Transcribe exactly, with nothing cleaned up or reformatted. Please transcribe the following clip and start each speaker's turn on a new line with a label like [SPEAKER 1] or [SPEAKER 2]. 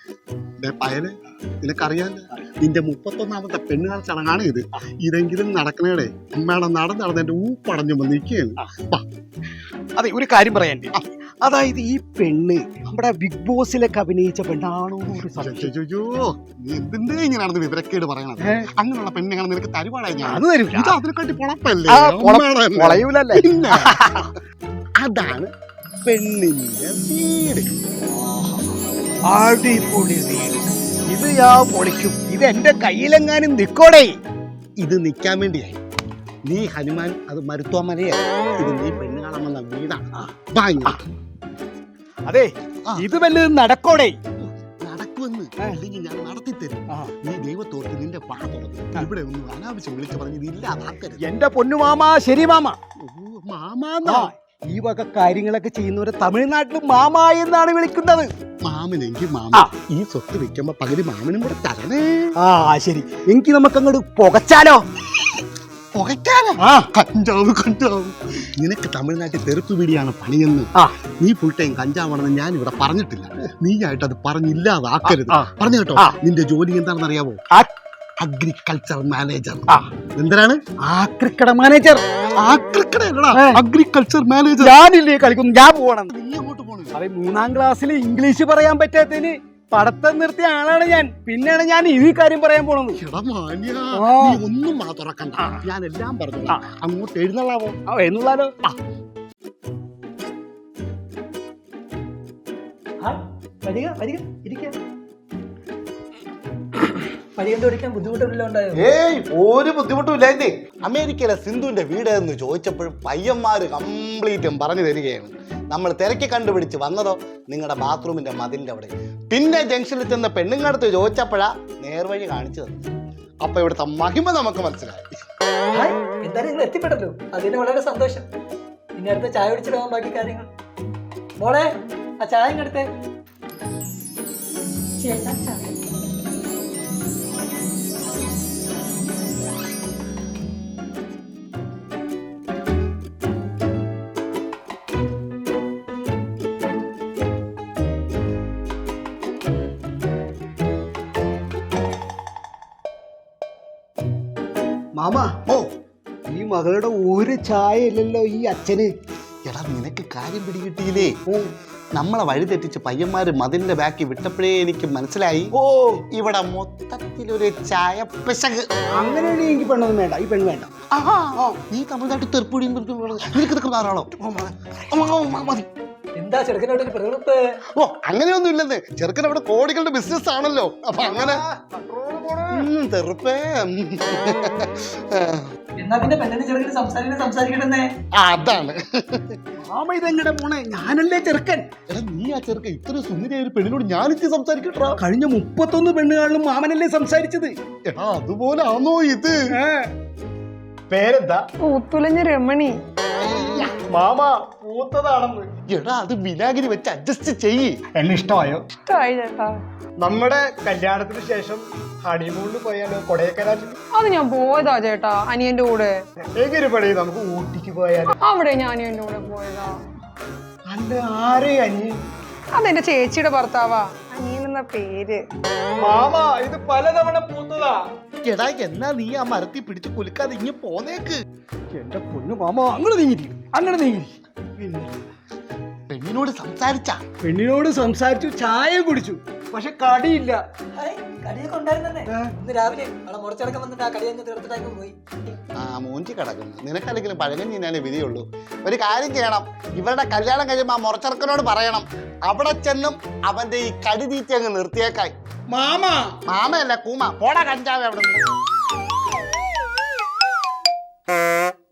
[SPEAKER 1] പയല് നിനക്കറിയാല്ല, നിന്റെ മുപ്പത്തൊന്നാമത്തെ പെണ്ണുകാൽ ചടങ്ങാണ് ഇത്. ഇതെങ്കിലും നടക്കണേടെ. അമ്മയുടെ നടന്ന് നടന്ന് എന്റെ ഊപ്പടഞ്ഞു നിൽക്കുകയാണ്.
[SPEAKER 2] അതെ, ഒരു കാര്യം പറയാൻ, അതായത് ഈ പെണ്ണ് നമ്മുടെ ബിഗ് ബോസിലൊക്കെ അഭിനയിച്ച പെണ്ണാണോ?
[SPEAKER 1] എന്തിന്റെ ഇങ്ങനെയാണെന്ന് വിവരക്കേട് പറയണത്? അങ്ങനെയുള്ള പെണ്ണുങ്ങൾ നിനക്ക് തരുവാടായി ഞാൻ.
[SPEAKER 2] അത് തരും.
[SPEAKER 1] ഇത് അതിനെക്കാട്ടി പൊളപ്പല്ലേ? അതാണ് പെണ്ണിന്റെ വീട്.
[SPEAKER 2] അടിപൊളി വീട്. ഇത് ഞാൻ പൊളിക്കും. ഇത് എന്റെ കയ്യിലെങ്ങാനും നിക്കോടേ.
[SPEAKER 1] ഇത് നിക്കാൻ വേണ്ടിയായി നീ ഹനുമാൻ അത് മരുത്വാമലയാ. ഇത് നീ പെണ്ണ് കാണാൻ വന്ന വീടാണ്.
[SPEAKER 2] അതെ, ഇത് വല്ലതും നടക്കോടേ?
[SPEAKER 1] നടക്കുമെന്ന് അല്ലെങ്കിൽ ഞാൻ നടത്തി തരും. നീ ദൈവത്തോർത്ത് നിന്റെ പാ തുറന്നു ഇവിടെ ഒന്നും അനാവശ്യം വിളിച്ചു പറഞ്ഞത് ഇല്ലാതാക്കരുത്.
[SPEAKER 2] എന്റെ പൊന്നു മാമാ. ശരി മാമ.
[SPEAKER 1] മാമാ,
[SPEAKER 2] ഈ വക കാര്യങ്ങളൊക്കെ ചെയ്യുന്നവരെ തമിഴ്നാട്ടിൽ മാമ എന്നാണ് വിളിക്കുന്നത്.
[SPEAKER 1] മാമനെങ്കിൽ മാമ. ഈ സ്വത്ത് വെക്കുമ്പോ പകുതി മാമനും കൂടെ തരണേ.
[SPEAKER 2] ആ ശരി, എനിക്ക് നമുക്ക് അങ്ങോട്ട് പുകച്ചാലോ?
[SPEAKER 1] പുകയ്ക്കാലോ? കഞ്ചാവ് കഞ്ചാവ്. നിനക്ക് തമിഴ്നാട്ടിൽ തെറുപ്പ് പിടിയാണ് പണിയെന്ന്. നീ ഫുൾ ടൈം കഞ്ചാവാണെന്ന് ഞാൻ ഇവിടെ പറഞ്ഞിട്ടില്ല. നീ ആയിട്ട് അത് പറഞ്ഞില്ലാതാക്കരുത്. പറഞ്ഞു കേട്ടോ. നിന്റെ ജോലി എന്താണെന്ന് അറിയാവോ? Agriculture manager. എന്തിനാണ്?
[SPEAKER 2] ആക്രിക്കട മാനേജർ.
[SPEAKER 1] Agriculture manager.
[SPEAKER 2] ഞാനില്ലേ കളിക്കുന്നു. ഞാൻ പോകണം.
[SPEAKER 1] നീ അങ്ങോട്ട് പോകണം.
[SPEAKER 2] അതെ, മൂന്നാം ക്ലാസ്സിൽ ഇംഗ്ലീഷ് പറയാൻ പറ്റാത്തതിന് പഠിത്തം നിർത്തിയ ആളാണ് ഞാൻ. പിന്നെയാണ് ഞാൻ ഈ കാര്യം പറയാൻ പോണത്.
[SPEAKER 1] ഒന്നും മാ തുറക്കണ്ട, ഞാൻ എല്ലാം പറഞ്ഞു. അങ്ങോട്ട് എഴുന്നള്ളാവോ?
[SPEAKER 2] എഴുന്നള്ളാലോ. വരിക വരിക ഇരിക്ക.
[SPEAKER 1] ഏയ്, ഒരു ബുദ്ധിമുട്ടും ഇല്ലായിരുന്നേ. അമേരിക്കയിലെ സിന്ധുവിന്റെ വീട് എന്ന് ചോദിച്ചപ്പോഴും പയ്യന്മാര് കംപ്ലീറ്റും പറഞ്ഞു തരികയാണ്. നമ്മൾ തിരക്കി കണ്ടുപിടിച്ച് വന്നതോ നിങ്ങളുടെ ബാത്റൂമിന്റെ മതിലിന്റെ അവിടെ. പിന്നെ ജംഗ്ഷനിൽ ചെന്ന പെണ്ണുങ്ങടുത്ത് ചോദിച്ചപ്പോഴാ നേർവഴി കാണിച്ചു തന്നു. അപ്പൊ ഇവിടുത്തെ മഹിമ നമുക്ക് മനസ്സിലായി.
[SPEAKER 3] എന്തായാലും നിങ്ങൾ എത്തിപ്പെട്ടല്ലോ, അതിന് വളരെ സന്തോഷം. ഇനി അടുത്ത ചായ കുടിച്ചിട്ട് പോകാൻ ബാക്കി കാര്യങ്ങൾ. മോളെ, ആ ചായ ഇങ്ങടുത്തേ.
[SPEAKER 2] മാമ, ഓ ഈ മകളുടെ ഒരു ചായ ഇല്ലല്ലോ ഈ അച്ഛന്.
[SPEAKER 1] എടാ, നിനക്ക് കാര്യം പിടികിട്ടിയില്ലേ? നമ്മളെ വഴി തെറ്റിച്ച് പയ്യന്മാര് മതിലിന്റെ ബാക്കി വിട്ടപ്പോഴേ എനിക്ക് മനസ്സിലായി, ഓ ഇവിടെ മൊത്തത്തിലൊരു ചായ പിശക്.
[SPEAKER 2] അങ്ങനെയാണെങ്കിൽ എനിക്ക് പെണ്ണൊന്നും വേണ്ട. ഈ പെണ്ണ് വേണ്ട.
[SPEAKER 1] നീ തമിഴ്നാട്ടിൽ തെറുപ്പുടിയും നിനക്ക് ധാരാളോ?
[SPEAKER 3] എന്താ ചെറുക്കനോട് പ്രകൃപ്പ്?
[SPEAKER 1] ഓ, അങ്ങനെയൊന്നും ഇല്ലെന്ന്. ചെറുക്കൻ അവിടെ കോടികളുടെ ബിസിനസ് ആണല്ലോ. അപ്പൊ അങ്ങനെ തെറുപ്പേ.
[SPEAKER 3] എന്നാ പിന്നെ പെണ്ണിന് ചെറുക്കന് സംസാരിക്കണേ സംസാരിക്കട്ടെ.
[SPEAKER 1] അതാണ്
[SPEAKER 2] മാമ. ഇതെങ്ങനെ പോണേ? ഞാനല്ലേ ചെറുക്കൻ.
[SPEAKER 1] എടാ, നീ ആ ചെറുക്കൻ ഇത്ര സുന്ദരിയായ ഒരു പെണ്ണിനോട് ഞാനിച്ച് സംസാരിക്കട്ടാ.
[SPEAKER 2] കഴിഞ്ഞ മുപ്പത്തൊന്ന് പെണ്ണുകളിലും മാമനല്ലേ സംസാരിച്ചത്.
[SPEAKER 1] എടാ, അതുപോലെ ആണോ ഇത്?
[SPEAKER 2] പേരെന്താ?
[SPEAKER 4] പൂത്തുലഞ്ഞ രമണി.
[SPEAKER 2] മാമ പൂത്തതാണെന്ന്.
[SPEAKER 1] എടാ, അത് വിനാഗിരി വെച്ച് അഡ്ജസ്റ്റ് ചെയ്യ്.
[SPEAKER 2] എന്നെ ഇഷ്ടമായോ?
[SPEAKER 4] ഇഷ്ടമായി ചേട്ടാ.
[SPEAKER 2] നമ്മുടെ കല്യാണത്തിന് ശേഷം ഹണിമൂണിന് പോയാലോ? കൊടൈക്കനാലിൽ.
[SPEAKER 4] അത് ഞാൻ പോയതാ ചേട്ടാ, അനിയന്റെ കൂടെ.
[SPEAKER 2] എങ്ങനെ പണി, നമുക്ക് ഊട്ടിക്ക് പോയാലോ?
[SPEAKER 4] അവിടെ ഞാൻ അനിയന്റെ കൂടെ പോയതാ.
[SPEAKER 2] അല്ല, ആരെ അനിയൻ?
[SPEAKER 4] അതെന്റെ ചേച്ചിയുടെ ഭർത്താവാ. അനിയൻ എന്ന പേര്.
[SPEAKER 2] മാമ, ഇത് പലതവണ പൂത്തതാ.
[SPEAKER 1] എടാ, എന്നാ നീ ആ മരത്തിൽ പിടിച്ച് കുലുക്കാതെ ഇങ്ങനെ പോന്നേക്ക്.
[SPEAKER 2] എന്റെ പൊന്നു മാമ, അങ്ങനെ നീങ്ങി അങ്ങനെ നീങ്ങി.
[SPEAKER 1] പെണ്ണിനോട് സംസാരിച്ച
[SPEAKER 2] പെണ്ണിനോട് സംസാരിച്ചു, ചായ കുടിച്ചു, പക്ഷെ കടിയില്ല.
[SPEAKER 3] കടിയൊക്കെ ഉണ്ടായിരുന്നെ. ഇന്ന് രാവിലെ അവിടെ മുറച്ചടക്കം വന്നിട്ട് ആ കടി അങ്ങ് തീർത്തിട്ടങ്ങ് പോയി.
[SPEAKER 1] ആ മൂഞ്ചി കിടക്കുന്നു. നിനക്കല്ലെങ്കിലും പഴകം ചെയ്യാനേ വിധിയുള്ളൂ. ഒരു കാര്യം ചെയ്യണം, ഇവരുടെ കല്യാണം കഴിയുമ്പോൾ ആ മുറച്ചെറുക്കനോട് പറയണം, അവിടെ ചെന്നും അവന്റെ ഈ കടി തീറ്റി അങ്ങ് നിർത്തിയേക്കായി.
[SPEAKER 2] മാമ.
[SPEAKER 1] മാമയല്ല, കൂമ. പോടാ കഞ്ചാവ് അവിടെ നിന്ന്.